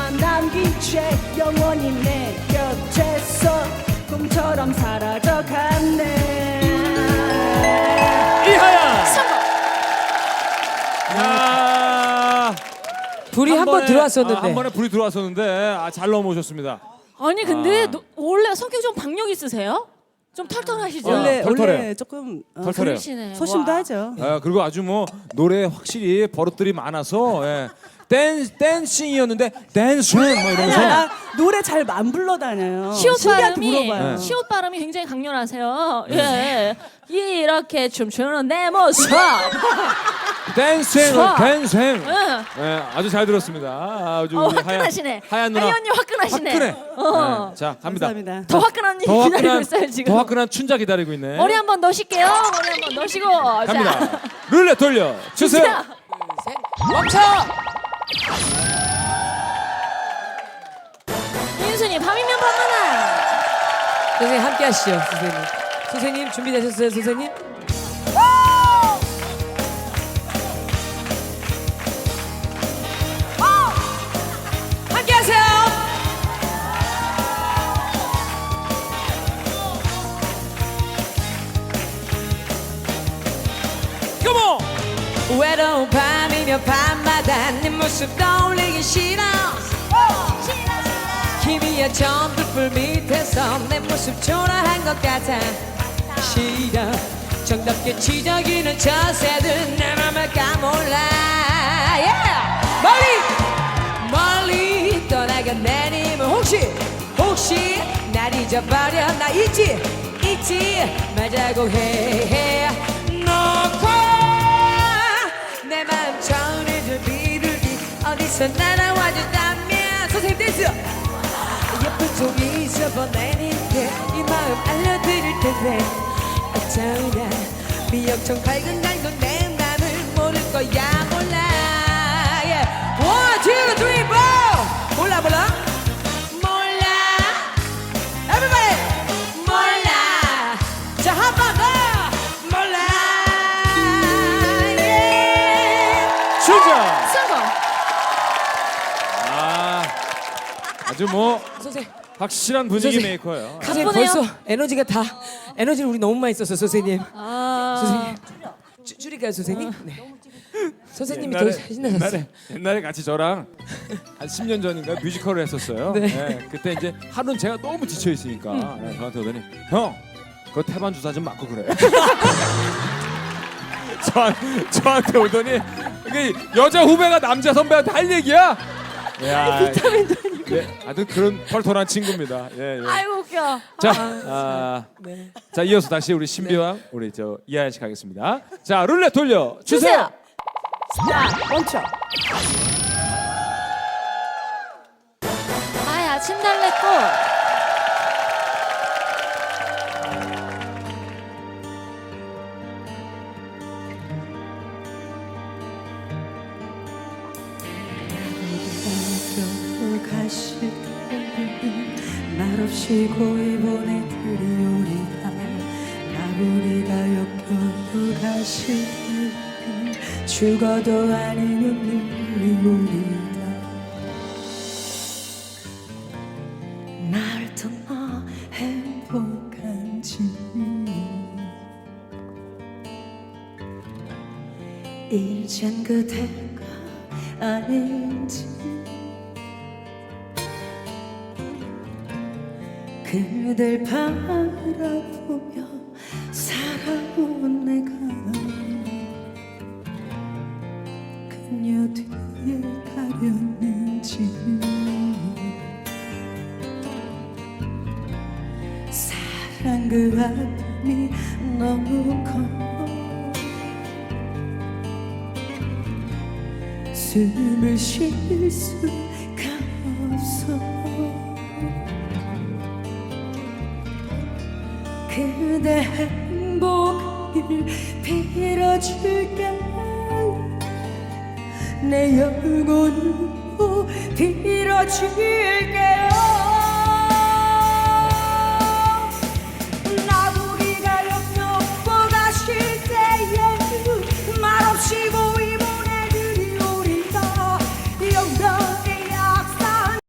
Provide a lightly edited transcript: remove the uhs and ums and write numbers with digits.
너만 남긴 채 영원히 내 곁에서 꿈처럼 사라져갔네. 이하야. 성공. 야. 불이 한 번 들어왔었는데. 한 번에 불이 들어왔었는데 잘 넘어오셨습니다. 아니 근데 원래 성격 좀 박력 있으세요? 좀 털털하시죠? 털털해요. 원래 조금 털털해요. 그러시네. 소심도 와. 하죠. 그리고 아주 뭐 노래 확실히 버릇들이 많아서 댄싱이었는데 댄싱 뭐 이러면서 나 노래 잘 안 불러다녀요. 시옷 신비한테 발음이 물어봐요. 시옷 발음이 굉장히 강렬하세요. 예. 이렇게 춤추는 내 모습. 댄싱 좋아. 댄싱. 응. 아주 잘 들었습니다. 아주 우리 화끈하시네. 하얀 누나 하얀 언니 화끈하시네. 화끈해. 어. 자 갑니다. 감사합니다. 더 화끈한 언니 더 기다리고 화끈한 있어요 지금. 더 화끈한 춘자 기다리고 있네. 머리 한번 넣으실게요. 머리 한번 넣으시고. 갑니다. 자. 룰렛 돌려 주세요. 자. 멈춰! 민순이 밤이면 밤하나. 선생님 함께 하시죠, 선생님. 선생님 준비되셨어요, 선생님? 함께 하세요. 컴온. 외로운 밤이며 밤마다 네 모습 떠올리기 싫어. 희미한 전등불 밑에서 내 모습 초라한 것 같아. 싫어. 정답게 지저귀는 저 새들 내 맘을 까몰라. 멀리 멀리 떠나간 내님은 혹시 날 잊어버려. 나 잊지 말자고 해. 놓고 내 마음 전해줄 비둘기 어디서 날아와줬다면. 선생님 댄스. 예쁜 종이 접어내니까 이 마음 알려드릴 텐데 어쩌나 미역청 밝은 날도 내 맘을 모를 거야. 몰라. One, two, three, four. 몰라. Everybody. 몰라. 자, 한 번 더. 몰라. 춘자. 성공. 아주 뭐 선생님. 확실한 분위기 선생님. 메이커예요. 선생님 바쁘네요. 벌써 에너지를 우리 너무 많이 썼어, 선생님. 아. 선생님. 줄일까요, 선생님? 네. 선생님이 더 신나셨어요. 옛날에 같이 저랑 한 10년 전인가 뮤지컬을 했었어요. 네. 그때 이제 하루는 제가 너무 지쳐 있으니까 저한테 오더니 형, 그거 태반 주사 좀 맞고 그래. 저한테 오더니 이게 여자 후배가 남자 선배한테 할 얘기야. 야, 하여튼 그런 털털한 친구입니다. 예. 아이고 웃겨. 자 이어서 다시 우리 신비왕 우리 저 이하연 씨 가겠습니다. 자 룰렛 돌려 주세요. 자, 멈춰. 아야 침달래꽃. 가실 말없이 고이 보내드리오리다. 나부리가 역겨우 가실 죽어도 아니면 늘리오리다. 날 떠나 행복한지 이젠 그대가 아닌지 그댈 바라보며 살아온 내가 그녀 뒤에 가렸는지 사랑 그 아픔이 너무 커 숨을 쉴 수가 없어. 그대 행복을 빌어줄게. 내 영혼으로 빌어줄게.